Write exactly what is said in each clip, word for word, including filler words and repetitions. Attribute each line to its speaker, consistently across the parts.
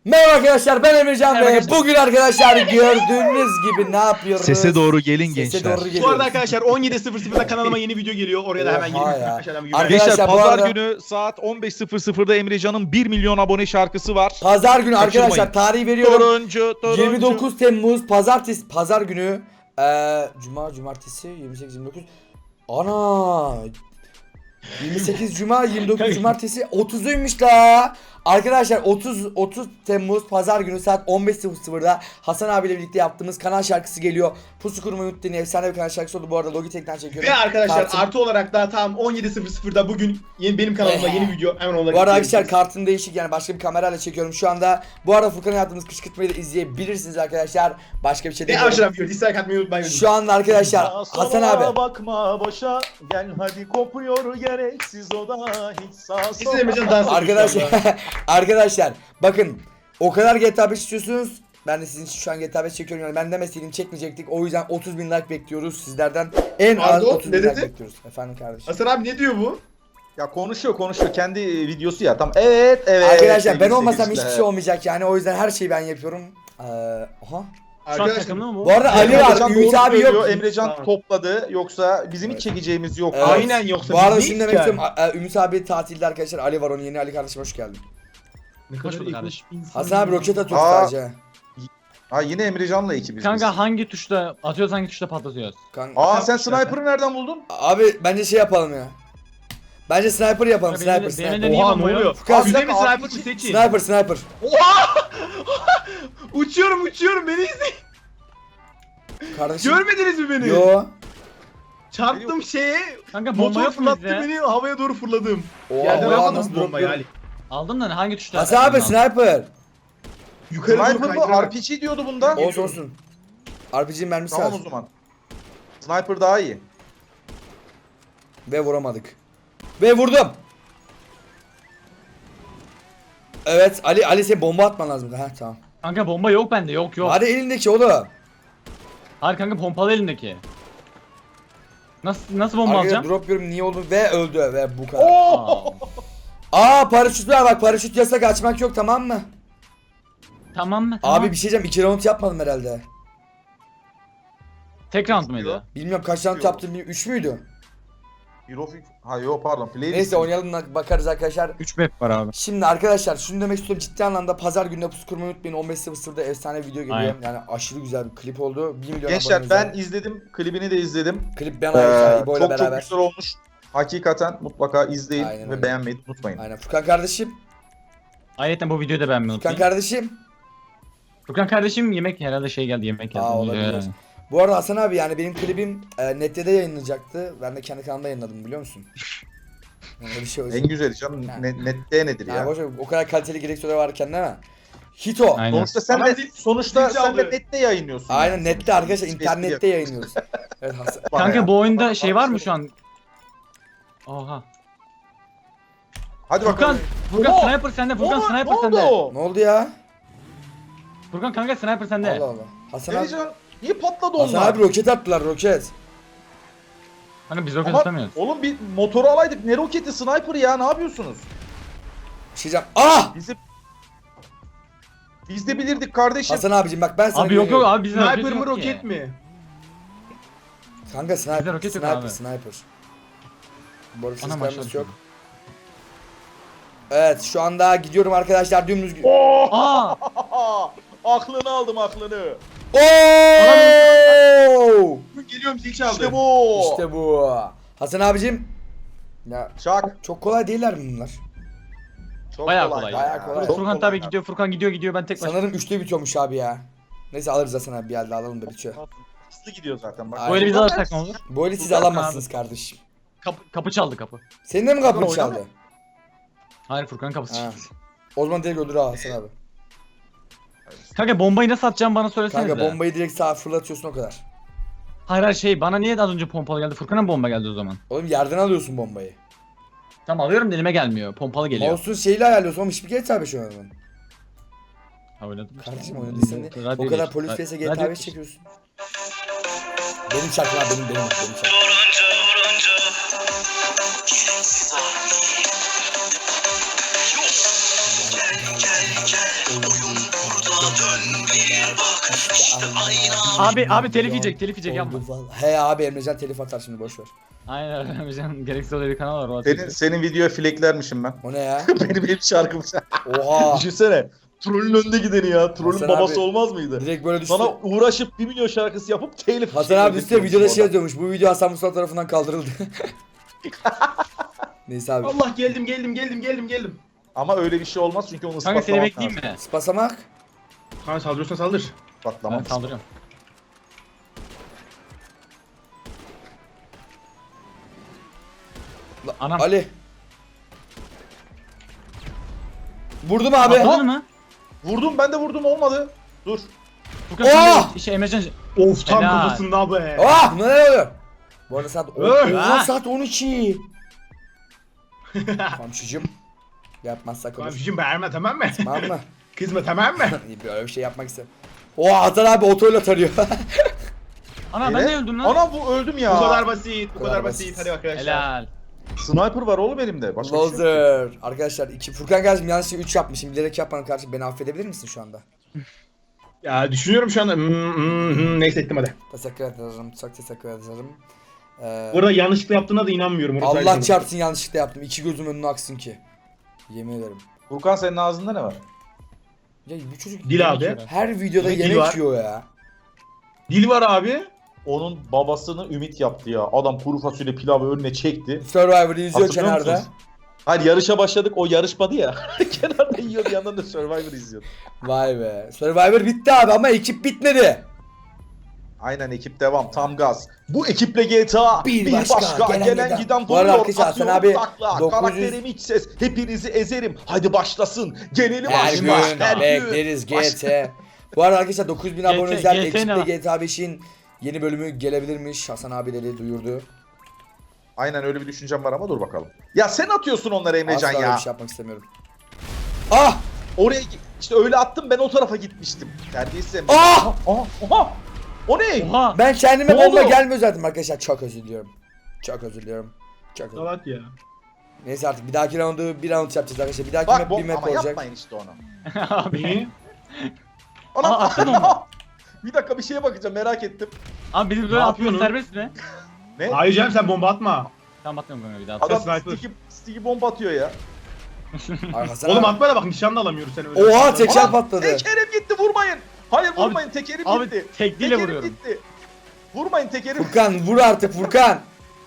Speaker 1: Merhaba arkadaşlar, ben Emrecan
Speaker 2: Merhaba
Speaker 1: ve
Speaker 2: arkadaşlar.
Speaker 1: bugün arkadaşlar gördüğünüz gibi ne yapıyoruz?
Speaker 3: Sese doğru gelin
Speaker 1: Sese
Speaker 3: gençler.
Speaker 1: doğru
Speaker 2: Bu
Speaker 1: geliyoruz.
Speaker 2: arada arkadaşlar on yedi sıfır sıfırda kanalıma yeni video geliyor. Oraya da hemen
Speaker 1: Oha
Speaker 2: gelin.
Speaker 1: ya.
Speaker 2: Arkadaşlar hemen
Speaker 1: Arkadaşlar,
Speaker 3: Gençler
Speaker 1: bu
Speaker 3: pazar
Speaker 1: arada-
Speaker 3: günü saat on beş sıfır sıfırda Emrecan'ın bir milyon abone şarkısı var.
Speaker 1: Pazar günü
Speaker 3: Kaçırmayın.
Speaker 1: arkadaşlar tarihi veriyorum.
Speaker 3: Turuncu, turuncu.
Speaker 1: yirmi dokuz Temmuz Pazartesi Pazar günü. Ee, Cuma, Cumartesi, yirmi sekiz, yirmi dokuz. Ana! yirmi sekiz Cuma, yirmi dokuz Cumartesi, otuzuymuş la. Arkadaşlar otuz otuz Temmuz Pazar günü saat on beş sıfır sıfırda Hasan abiyle birlikte yaptığımız kanal şarkısı geliyor. Pusu kurmayı unutmayın. Efsane bir kanal şarkısı oldu. Bu arada Logitech'ten çekiyorum.
Speaker 2: Ve arkadaşlar
Speaker 1: Kartım-
Speaker 2: artı olarak da tam on yedi sıfır sıfırda bugün yeni benim kanalımda yeni video hemen onları
Speaker 1: Bu arada
Speaker 2: izleyebilirsiniz.
Speaker 1: arkadaşlar kartım değişik, yani başka bir kamerayla çekiyorum şu anda. Bu arada Furkan'a yaptığımız kışkırtmayı da izleyebilirsiniz arkadaşlar. Başka bir şey
Speaker 2: Ve
Speaker 1: demiyorum.
Speaker 2: aşağı video dislike atmayı unutmayın.
Speaker 1: Şu anda arkadaşlar Hasan abi.
Speaker 4: Bakma boşa gel hadi kopuyor gereksiz o da hiç sağ
Speaker 2: Siz de Emrecan dans ediyor
Speaker 1: Arkadaşlar
Speaker 2: şu anda.
Speaker 1: arkadaşlar bakın, o kadar G T A beş istiyorsunuz. Ben de sizin için şu an G T A beş çekiyorum, yani ben demeseydim çekmeyecektik. O yüzden otuz bin like bekliyoruz sizlerden. En az
Speaker 2: Pardon,
Speaker 1: otuz
Speaker 2: ne
Speaker 1: bin like
Speaker 2: dedi?
Speaker 1: bekliyoruz. Efendim kardeşim.
Speaker 2: Hasan abi ne diyor bu?
Speaker 4: Ya konuşuyor konuşuyor kendi e, videosu ya tam evet evet.
Speaker 1: Arkadaşlar ben
Speaker 4: sevgili
Speaker 1: olmasam
Speaker 4: seyirciler.
Speaker 1: hiçbir şey olmayacak, yani o yüzden her şeyi ben yapıyorum. Ee, aha.
Speaker 2: Arkadaşlar
Speaker 1: Bu arada Ali
Speaker 4: Emrecan
Speaker 1: var, Ümit
Speaker 4: doğru
Speaker 1: abi
Speaker 4: söylüyor,
Speaker 1: yok.
Speaker 4: Emrecan
Speaker 2: Tamam.
Speaker 4: topladı yoksa bizim hiç çekeceğimiz yok.
Speaker 1: Evet.
Speaker 2: Aynen, yoksa
Speaker 1: Bu arada
Speaker 2: biz
Speaker 1: şunu
Speaker 2: neyiz
Speaker 1: demek
Speaker 2: ki
Speaker 1: istiyorum. A- e, Ümit abi tatilde arkadaşlar. Ali var, onun yeni. Ali kardeşim hoş geldin.
Speaker 2: ne
Speaker 5: Hoş bulduk kardeşim.
Speaker 1: Hasan abi roket atıyor
Speaker 4: Aa.
Speaker 1: sadece.
Speaker 4: Ha yine Emrecan'la ekibiz biz.
Speaker 5: Kanka hangi tuşla atıyoruz, hangi tuşla patlatıyoruz?
Speaker 1: Kanka.
Speaker 4: Aa sen sniper'ı nereden buldun?
Speaker 1: Abi bence şey yapalım ya. Bence sniper yapalım.
Speaker 5: Ya
Speaker 1: Sniper,
Speaker 5: benim de-
Speaker 1: sniper.
Speaker 5: benim de niye
Speaker 2: Oha
Speaker 5: bomba
Speaker 2: ne
Speaker 5: yok?
Speaker 2: oluyor?
Speaker 1: Furkan,
Speaker 2: Füze mi
Speaker 4: sen-
Speaker 2: sniper mı seçin?
Speaker 1: Sniper, sniper.
Speaker 2: Uçuyorum uçuyorum beni izleyin.
Speaker 1: Kardeşim.
Speaker 2: Görmediniz mi beni?
Speaker 1: Yo.
Speaker 2: Çarptım şeye.
Speaker 5: Kanka bomba
Speaker 2: Motor
Speaker 5: yok mu
Speaker 2: fırlattı
Speaker 5: bizde?
Speaker 2: beni, havaya doğru fırladım.
Speaker 1: Oha,
Speaker 2: Yerden
Speaker 1: oha,
Speaker 2: almadım
Speaker 1: nasıl
Speaker 2: bombayı
Speaker 1: drop
Speaker 2: Ali.
Speaker 5: Aldım da hangi tuşla?
Speaker 1: Hasan abi
Speaker 5: atıyorsun?
Speaker 1: sniper.
Speaker 2: Yukarı doğru
Speaker 4: Sniper mı?
Speaker 2: kaydırarak.
Speaker 4: R P G diyordu bunda.
Speaker 1: Olsun olsun. R P G'nin mermisi
Speaker 4: Tamam
Speaker 1: var.
Speaker 4: o zaman. Sniper daha iyi.
Speaker 1: Ve vuramadık. Ve vurdum. Evet Ali, Ali sen bomba atman lazım. Heh tamam.
Speaker 5: Kanka bomba yok bende, yok yok.
Speaker 1: Hadi elindeki oğlum.
Speaker 5: Hayır kanka pompalı elindeki. Nasıl nasıl bomba
Speaker 1: Arkadaşlar
Speaker 5: alacağım?
Speaker 1: drop yiyorum, niye oldu ve öldü ve bu kadar.
Speaker 5: Aa,
Speaker 1: Aa paraşüt var bak, paraşüt yasak, açmak yok, tamam mı?
Speaker 5: tamam mı? Tamam.
Speaker 1: Abi bir şey diyeceğim, iki round yapmadım herhalde.
Speaker 5: Tek round muydu?
Speaker 1: Bilmiyorum kaç round
Speaker 4: Yok.
Speaker 1: yaptım, üç müydü?
Speaker 4: Eurofik. Ha yok pardon. Play
Speaker 1: Neyse oynayalım da bakarız arkadaşlar.
Speaker 5: üç map var abi.
Speaker 1: Şimdi arkadaşlar şunu demek istiyorum, ciddi anlamda pazar gününe pusu kurmayı unutmayın. on beş sıfır sıfırda efsane video geliyor.
Speaker 5: Aynen.
Speaker 1: Yani aşırı güzel bir klip oldu. bir milyon
Speaker 4: Gençler
Speaker 1: abone
Speaker 4: ben
Speaker 1: özel.
Speaker 4: izledim. Klibini de izledim.
Speaker 1: Klip ben
Speaker 4: Ee,
Speaker 1: ayıracağım İbo ile
Speaker 4: çok çok
Speaker 1: beraber.
Speaker 4: güzel olmuş. Hakikaten mutlaka izleyin
Speaker 1: Aynen
Speaker 4: ve
Speaker 1: öyle.
Speaker 4: beğenmeyi unutmayın.
Speaker 1: Aynen Furkan kardeşim.
Speaker 5: Ayrıca bu videoyu da beğenmeyi
Speaker 1: Furkan
Speaker 5: unutmayın.
Speaker 1: kardeşim.
Speaker 5: Furkan kardeşim yemek herhalde şey geldi, yemek geldi.
Speaker 1: Aa, olabilir. Bu arada Hasan abi, yani benim klibim e, Net'te yayınlanacaktı. Ben de kendi kanalımda yayınladım, biliyor musun? Yani öyle bir şey olsun.
Speaker 4: En güzeli canım.
Speaker 1: Ha.
Speaker 4: Ne, nette nedir
Speaker 1: Ya
Speaker 4: ya?
Speaker 1: boş ver, o kadar kaliteli gereksiyorlar varken değil mi? Hito.
Speaker 5: Aynen.
Speaker 4: Sonuçta sen
Speaker 2: Ama
Speaker 4: de
Speaker 2: zil-
Speaker 4: sonuçta
Speaker 2: zil
Speaker 4: sen de
Speaker 2: çaldı.
Speaker 4: nette yayınlıyorsun.
Speaker 1: Aynen
Speaker 4: yani.
Speaker 1: nette arkadaşlar,
Speaker 4: Hiç
Speaker 1: internette
Speaker 4: espri
Speaker 1: yayınlıyoruz. Evet Hasan.
Speaker 4: Bana
Speaker 5: Kanka
Speaker 4: ya.
Speaker 5: bu oyunda
Speaker 4: Bana-
Speaker 5: şey var mı şu an? Oha.
Speaker 4: Hadi
Speaker 5: Furkan,
Speaker 4: bakalım.
Speaker 5: Furkan
Speaker 4: Oo!
Speaker 5: sniper sende, Furkan
Speaker 4: Oo,
Speaker 5: sniper
Speaker 4: ne
Speaker 5: sende.
Speaker 4: oldu?
Speaker 1: Ne oldu ya?
Speaker 5: Furkan kanka sniper sende.
Speaker 1: Allah Allah. Hasan abi.
Speaker 4: Emrecan niye patladı
Speaker 1: Hasan
Speaker 4: onlar?
Speaker 1: abi roket attılar, roket.
Speaker 5: Kanka biz roket
Speaker 4: Ama
Speaker 5: atamıyoruz.
Speaker 4: oğlum bir motoru alaydık. Ne roketi, sniper ya, ne yapıyorsunuz?
Speaker 1: Bir şey diyeceğim. Ah!
Speaker 4: Bizi Biz de bilirdik kardeşim.
Speaker 1: Hasan abicim bak ben sana
Speaker 5: Abi yok yok
Speaker 1: güveniyorum.
Speaker 5: abi bizde
Speaker 2: Sniper
Speaker 5: roket
Speaker 2: mı
Speaker 5: yok
Speaker 2: roket
Speaker 5: ki.
Speaker 2: mi?
Speaker 1: Kanka sniper,
Speaker 5: Bizde roket yok
Speaker 1: sniper,
Speaker 5: abi.
Speaker 1: sniper. Bu arada
Speaker 5: Ana
Speaker 1: seslerimiz
Speaker 5: maşallah.
Speaker 1: yok. Evet şu anda gidiyorum arkadaşlar, dümdüz.
Speaker 5: Aa!
Speaker 4: Aklını aldım, aklını.
Speaker 1: Oo!
Speaker 2: Geliyorum zil çaldı.
Speaker 4: İşte bu.
Speaker 1: İşte bu. Hasan abicim. Ya
Speaker 4: Çak.
Speaker 1: çok kolay değiller mi bunlar?
Speaker 4: Çok
Speaker 5: Bayağı kolay.
Speaker 1: Bayağı kolay.
Speaker 4: Çok
Speaker 5: Furkan
Speaker 4: kolay
Speaker 5: tabi
Speaker 4: ya.
Speaker 5: gidiyor, Furkan gidiyor gidiyor ben tek başıma.
Speaker 1: Sanırım üçte bitiyormuş abi ya. Neyse alırız Hasan abi, bir elde alalım da bitiyor.
Speaker 4: Hızlı gidiyor zaten bak.
Speaker 1: Aynen.
Speaker 5: Böyle biz alırsak ne olur?
Speaker 1: Bu eli siz
Speaker 5: Furkan
Speaker 1: alamazsınız kardeşim.
Speaker 5: Kapı, kapı çaldı kapı.
Speaker 1: Senin de mi kapın
Speaker 4: Oynama.
Speaker 1: çaldı?
Speaker 5: Hayır Furkan kapısı
Speaker 1: Ha.
Speaker 5: çaldı.
Speaker 1: O zaman direkt öldür ha Hasan abi.
Speaker 5: Kanka bombayı nasıl atacağım bana söylesene.
Speaker 1: Kanka bombayı direkt sağa fırlatıyorsun, o kadar.
Speaker 5: Hayır hayır şey bana niye az önce pompalı geldi? Furkan'a mı bomba geldi o zaman?
Speaker 1: Oğlum yerden alıyorsun bombayı.
Speaker 5: Tamam alıyorum da elime gelmiyor. Pompalı geliyor.
Speaker 1: Mouse'un şeyle ayarlıyorsun oğlum, hiçbir G T A beş oynadın.
Speaker 5: Ha oynadım işte.
Speaker 1: Kardeşim oynadıysan ne?
Speaker 5: Radyo
Speaker 1: O kadar
Speaker 5: geçti.
Speaker 1: polis
Speaker 5: Ra-
Speaker 1: vs G T A
Speaker 5: radyo
Speaker 1: beş
Speaker 5: geçti.
Speaker 1: çekiyorsun. Benim şarkım abi, benim benim benim şarkım. İşte Allah.
Speaker 5: Abi abi telif yiyecek telif yiyecek yapma.
Speaker 1: Oldu vallahi. He abi Emrecan telif atar şimdi boş ver.
Speaker 5: Aynen Emrecan gereksiz öyle bir kanal var o
Speaker 4: Senin,
Speaker 5: atıyor.
Speaker 4: senin videoya fleklermişim ben.
Speaker 1: O ne ya?
Speaker 4: benim benim şarkım.
Speaker 1: Oha.
Speaker 4: Düşünsene. Trollün önde gideni ya. Trollün
Speaker 1: Hasan
Speaker 4: babası
Speaker 1: abi,
Speaker 4: olmaz mıydı?
Speaker 1: Direkt böyle düştü.
Speaker 4: Sana uğraşıp bir milyon şarkısı yapıp telif.
Speaker 1: Hasan abi üstte videoda şey yazıyormuş. Bu video Hasan Mustafa tarafından kaldırıldı. Neyse abi.
Speaker 2: Allah geldim geldim geldim geldim geldim.
Speaker 4: Ama öyle bir şey olmaz çünkü onu
Speaker 5: Kanka
Speaker 4: ispatlamak
Speaker 5: seni bekleyeyim
Speaker 4: lazım.
Speaker 5: mi?
Speaker 1: Spasamak.
Speaker 2: Kanka saldırıyorsan saldır.
Speaker 5: Ben
Speaker 4: İspatlamak.
Speaker 5: saldırıyorum.
Speaker 1: La-
Speaker 5: Anam.
Speaker 1: Ali. Vurdum abi.
Speaker 5: Atladın mı?
Speaker 4: Vurdum ben de vurdum olmadı. Dur.
Speaker 5: Furkan sen
Speaker 1: Oh!
Speaker 5: de işte Emrecan
Speaker 2: Of tam
Speaker 5: Helal.
Speaker 2: kafasında be.
Speaker 1: Ah ne oluyor? Bu arada saat,
Speaker 2: Öh!
Speaker 1: Oha, saat on iki. Komşucum. Yapmazsak olur.
Speaker 2: Komşucum bağırma tamam mı?
Speaker 1: Tamam mı?
Speaker 2: Kızma tamam mı?
Speaker 1: Böyle bir şey yapmak istemem. Oha Hasan abi otoyla tarıyor.
Speaker 5: Ana ben
Speaker 4: Evet.
Speaker 5: de öldüm lan.
Speaker 4: Ana bu öldüm ya.
Speaker 2: Bu kadar basit, bu
Speaker 1: kadar
Speaker 2: kadar
Speaker 1: basit.
Speaker 2: basit. Hadi arkadaşlar.
Speaker 5: Helal.
Speaker 4: Sniper var oğlum elimde. Başka bir şey yok.
Speaker 1: Loser. Arkadaşlar iki Furkan kardeşim yanlışlıkla üç yapmışım. Bilerek yapmanın karşı beni affedebilir misin şu anda?
Speaker 2: Ya düşünüyorum şu anda. Hmm, hmm, hmm. Neyse ettim hadi.
Speaker 1: Teşekkür ederim. Çok teşekkür ederim. Ee,
Speaker 2: Burada yanlışlıkla yaptığına da inanmıyorum. Orası
Speaker 1: Allah
Speaker 2: ayrı.
Speaker 1: çarpsın yanlışlıkla yaptım. İki gözüm önüne aksın ki. Yemin ederim.
Speaker 4: Furkan senin ağzında ne var?
Speaker 1: Ya bu çocuk
Speaker 2: Dil abi.
Speaker 1: her videoda
Speaker 2: Dil
Speaker 1: yemek
Speaker 2: var.
Speaker 1: yiyor ya.
Speaker 2: Dil var abi.
Speaker 4: Onun babasını Ümit yaptı ya. Adam kuru fasulye pilavı önüne çekti.
Speaker 1: Survivor'ı izliyor
Speaker 4: Hatırlıyor
Speaker 1: kenarda.
Speaker 4: musunuz? Hayır yarışa başladık o yarışmadı ya. Kenarda yiyordu yandan da Survivor izliyordu.
Speaker 1: Vay be. Survivor bitti abi ama ekip bitmedi.
Speaker 4: Aynen ekip devam tam gaz. Bu ekiple G T A
Speaker 1: Bir
Speaker 4: bir,
Speaker 1: başka,
Speaker 4: başka,
Speaker 1: gelen
Speaker 4: gelen,
Speaker 1: giden.
Speaker 4: giden
Speaker 1: Bu arada
Speaker 4: duruyor.
Speaker 1: arkadaşlar, Hasan
Speaker 4: Atıyorum
Speaker 1: abi
Speaker 4: takla.
Speaker 1: dokuz yüz
Speaker 4: Karakterim iç ses. Hepinizi ezerim. Hadi başlasın. Gelelim
Speaker 1: Her
Speaker 4: aşka.
Speaker 1: gün
Speaker 4: Her gün.
Speaker 1: bekleriz G T. Bu arada arkadaşlar dokuz bin abone
Speaker 5: G T
Speaker 1: özel
Speaker 5: G T
Speaker 1: ekiple
Speaker 5: ne?
Speaker 1: G T A beşin yeni bölümü gelebilirmiş. Hasan abileri duyurdu.
Speaker 4: Aynen öyle bir düşüncem var ama dur bakalım. Ya sen atıyorsun onları Emrecan
Speaker 1: Asla öyle
Speaker 4: ya.
Speaker 1: bir şey yapmak istemiyorum. Ah!
Speaker 4: Oraya gi- işte öyle attım ben o tarafa gitmiştim. Terbiyesiz Emrecan.
Speaker 1: Ah!
Speaker 4: Aha, aha. O ne?
Speaker 5: Oha.
Speaker 1: Ben kendime
Speaker 4: Ne
Speaker 1: bomba
Speaker 4: oldu?
Speaker 1: gelmiyor zaten arkadaşlar. Çok özür diliyorum. Çok özür diliyorum. Çok özür diliyorum.
Speaker 2: Salak ya.
Speaker 1: Neyse artık bir dahaki roundu bir round yapacağız arkadaşlar. Bir dahaki
Speaker 4: Bak
Speaker 1: map
Speaker 4: bom
Speaker 1: bir map
Speaker 4: ama
Speaker 1: olacak.
Speaker 4: yapmayın işte onu.
Speaker 5: Abi.
Speaker 2: Niye?
Speaker 4: Ana
Speaker 5: Aa, attın onu.
Speaker 4: Bir dakika bir şeye bakacağım merak ettim.
Speaker 5: Abi bizim
Speaker 2: Ne
Speaker 5: böyle atmıyoruz
Speaker 2: yapıyorsun?
Speaker 5: serbest mi?
Speaker 4: Ne?
Speaker 2: Hayır canım sen bomba atma.
Speaker 5: Tamam atmıyorum kanka bir daha.
Speaker 4: Adam
Speaker 2: sniper.
Speaker 4: sticky, sticky bomba atıyor ya.
Speaker 1: Ay Hasan
Speaker 2: Oğlum
Speaker 1: abi.
Speaker 2: atma da bak nişan da alamıyoruz seni öyle.
Speaker 1: Oha teker
Speaker 4: Ana,
Speaker 1: patladı.
Speaker 4: Tekerim gitti vurmayın. Hayır
Speaker 5: Abi-
Speaker 4: vurmayın tekerim
Speaker 5: Abi
Speaker 4: gitti.
Speaker 5: tekliyle
Speaker 4: Tekerim
Speaker 5: vuruyorum.
Speaker 4: gitti. Vurmayın tekerim.
Speaker 1: Furkan vur artık Furkan.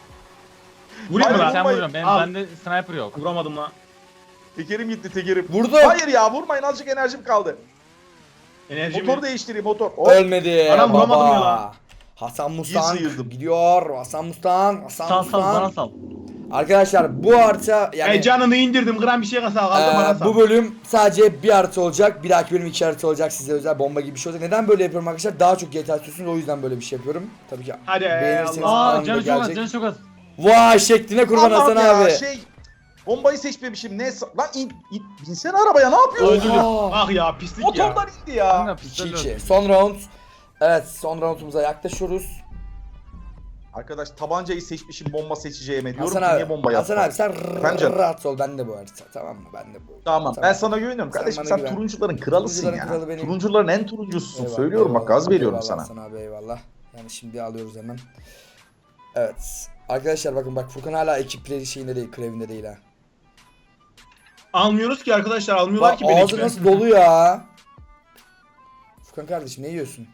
Speaker 2: Vurayım mı
Speaker 4: Hayır,
Speaker 2: lan?
Speaker 5: Sen
Speaker 4: vurmayın.
Speaker 5: vuruyorum. Benim
Speaker 2: Al.
Speaker 5: bende sniper yok.
Speaker 2: Vuramadım lan.
Speaker 4: Tekerim gitti tekerim.
Speaker 1: Vurdu.
Speaker 4: Hayır ya vurmayın azıcık enerjim kaldı.
Speaker 2: Enerji
Speaker 4: Motoru
Speaker 2: mi?
Speaker 4: değiştireyim motor. Hop.
Speaker 1: Ölmedi.
Speaker 2: Anam
Speaker 1: baba.
Speaker 2: vuramadım ya lan.
Speaker 1: Hasan
Speaker 4: İyi
Speaker 1: Mustang
Speaker 4: sıyırdım.
Speaker 1: gidiyor. Hasan Mustang. Hasan
Speaker 5: Sal sal bana
Speaker 1: Mustang.
Speaker 5: sal.
Speaker 1: Arkadaşlar bu harita yani
Speaker 2: E canını indirdim gram bir şey kaldı bana
Speaker 1: Ee,
Speaker 2: sal.
Speaker 1: bu bölüm sadece bir harita olacak. Bir dahaki bölüm iki harita olacak. Size özel bomba gibi bir şey olacak. Neden böyle yapıyorum arkadaşlar? Daha çok G T A istiyorsunuz. O yüzden böyle bir şey yapıyorum. Tabii ki
Speaker 2: Hadi
Speaker 1: beğenirseniz
Speaker 2: Allah.
Speaker 5: Aa
Speaker 1: anında
Speaker 5: canı çok az
Speaker 1: gelecek.
Speaker 5: canı çok az.
Speaker 1: Vay şekline kurban
Speaker 4: Allah'ım
Speaker 1: Hasan
Speaker 4: ya,
Speaker 1: abi.
Speaker 4: Şey bombayı seçmemişim. Ne sa- lan in, in binsene arabaya ne yapıyorsun?
Speaker 1: Oha.
Speaker 2: Ah ya pislik ya.
Speaker 4: Motordan indi ya.
Speaker 5: Kanka
Speaker 1: iki
Speaker 5: pistol
Speaker 1: iki.
Speaker 5: öldü.
Speaker 1: Son round. Evet son roundumuza yaklaşıyoruz.
Speaker 4: Arkadaş tabancayı seçmişim bomba seçeceğime diyorum
Speaker 1: Hasan
Speaker 4: ki
Speaker 1: abi.
Speaker 4: niye bomba
Speaker 1: Hasan
Speaker 4: yapmadın?
Speaker 1: abi sen
Speaker 4: Efendim canım?
Speaker 1: rahat ol. Ben de bu harita. Tamam mı? Ben de bu.
Speaker 4: Tamam ben sana güveniyorum
Speaker 1: Sen
Speaker 4: kardeşim
Speaker 1: bana
Speaker 4: sen
Speaker 1: güven.
Speaker 4: turuncuların kralısın
Speaker 1: Turuncuların
Speaker 4: ya.
Speaker 1: kralı benim.
Speaker 4: Turuncuların en turuncususun
Speaker 1: Eyvallah,
Speaker 4: söylüyorum bak gaz
Speaker 1: eyvallah,
Speaker 4: veriyorum
Speaker 1: eyvallah
Speaker 4: sana.
Speaker 1: Hasan abi eyvallah. Yani şimdi alıyoruz hemen. Evet. Arkadaşlar bakın bak Furkan hala ekipleri şeyinde değil, krevinde değil ha.
Speaker 2: Almıyoruz ki arkadaşlar almıyorlar
Speaker 1: Bak
Speaker 2: ki beni.
Speaker 1: ağzı nasıl dolu ya. Furkan kardeşim ne yiyorsun?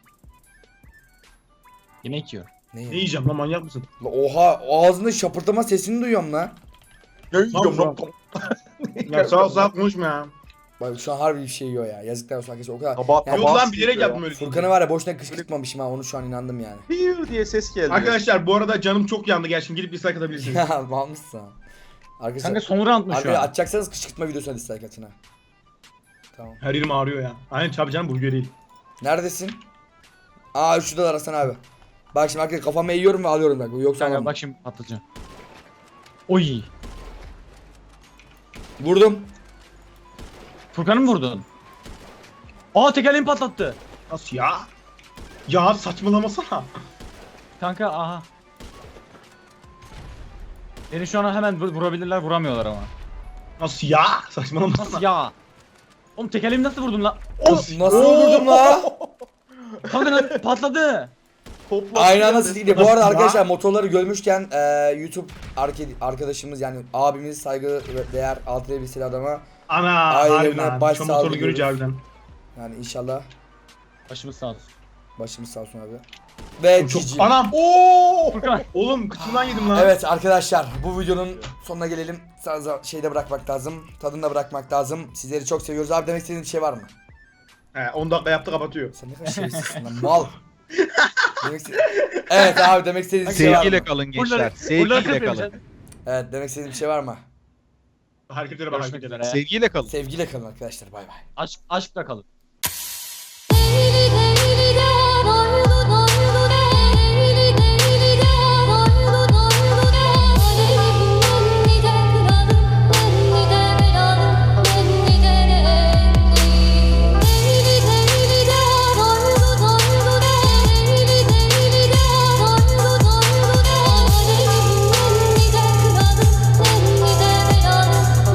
Speaker 5: Yemek yiyor.
Speaker 1: Ne
Speaker 2: Ne
Speaker 1: yiyorsun?
Speaker 2: yiyeceğim lan manyak mısın?
Speaker 1: La oha ağzında şapırtama sesini duyuyorum lan.
Speaker 4: Ne yiyorum
Speaker 2: Tamam,
Speaker 4: lan?
Speaker 2: Ya sağ ol sağ ol konuşma ya.
Speaker 1: Bak şu an harbi bir şey yiyor ya. Yazıklar olsun arkadaşlar o kadar.
Speaker 4: Tabağı
Speaker 1: Yani-
Speaker 2: Yok
Speaker 4: tabağı
Speaker 2: lan bilerek
Speaker 4: sıyırıyor
Speaker 2: yaptım öyle.
Speaker 1: Furkan'ı var ya boşuna kışkırtmamışım ha onu şu an inandım yani.
Speaker 4: Bir diye ses geldi.
Speaker 2: Arkadaşlar bu arada canım çok yandı gel şimdi gidip dislike atabilirsiniz.
Speaker 1: Ya malmışsın. Arkadaşlar
Speaker 5: Kanka son roundmuş şu
Speaker 1: arkadaşlar
Speaker 5: an.
Speaker 1: atacaksanız kışkırtma videosuna dislike atın ha. Tamam.
Speaker 2: Her yerim ağrıyor ya. Aynen tabii canım burger değil.
Speaker 1: Neredesin? Aa şuradalar Hasan abi. Bak şimdi arkadaşlar kafama eğiyorum ve alıyorum bak. Yoksa
Speaker 5: Kanka
Speaker 1: alamam.
Speaker 5: bak şimdi patlatacağım. Oy.
Speaker 1: Vurdum.
Speaker 5: Furkan'ı mı vurdun? Aa tekerleğimi patlattı.
Speaker 2: Nasıl ya? Ya saçmalamasana.
Speaker 5: Kanka aha. Beni şu an hemen vur- vurabilirler vuramıyorlar ama.
Speaker 2: Nasıl ya? Saçmalamasana.
Speaker 5: Nasıl ya? Oğlum tekerleğimi nasıl vurdun lan?
Speaker 1: Nasıl vurdum la?
Speaker 5: Kanka lan patladı.
Speaker 4: Topla.
Speaker 1: Aynı anda siz gidiyor. Bu arada
Speaker 4: Ya.
Speaker 1: arkadaşlar motorları görmüşken e, YouTube arke- arkadaşımız yani abimiz saygı ve değer altı elbiseli adama
Speaker 2: Ana
Speaker 1: Ailelerine
Speaker 2: harbiden.
Speaker 1: baş
Speaker 2: Şu
Speaker 1: sağlığı
Speaker 2: motoru görünce
Speaker 1: diliyoruz.
Speaker 2: harbiden.
Speaker 1: yani inşallah
Speaker 5: Başımız sağ olsun.
Speaker 1: başımız sağ olsun abi. Ve
Speaker 2: Çok
Speaker 1: cici.
Speaker 2: anam. Oo!
Speaker 5: Furkan.
Speaker 2: Oğlum kıçımdan yedim lan.
Speaker 1: Evet arkadaşlar bu videonun sonuna gelelim. Sadece şeyde bırakmak lazım. Tadında bırakmak lazım. Sizleri çok seviyoruz. Abi demek istediğin bir şey var mı?
Speaker 2: He on dakika yaptı kapatıyor.
Speaker 1: Sen ne kadar şerefsizsin lan mal. Demek iste- evet abi demek istediğin bir şey var
Speaker 3: Sevgiyle
Speaker 1: mı?
Speaker 3: kalın gençler.
Speaker 5: Buraları
Speaker 3: Sevgiyle
Speaker 5: kırpıyorum
Speaker 3: kalın.
Speaker 5: sen.
Speaker 1: Evet demek istediğin bir şey var mı?
Speaker 2: Hareketlere bak
Speaker 5: Görüşmek
Speaker 2: hareketlere.
Speaker 5: üzere.
Speaker 3: Sevgiyle kalın.
Speaker 1: Sevgiyle kalın arkadaşlar bay bay.
Speaker 5: Aşk, aşkla kalın.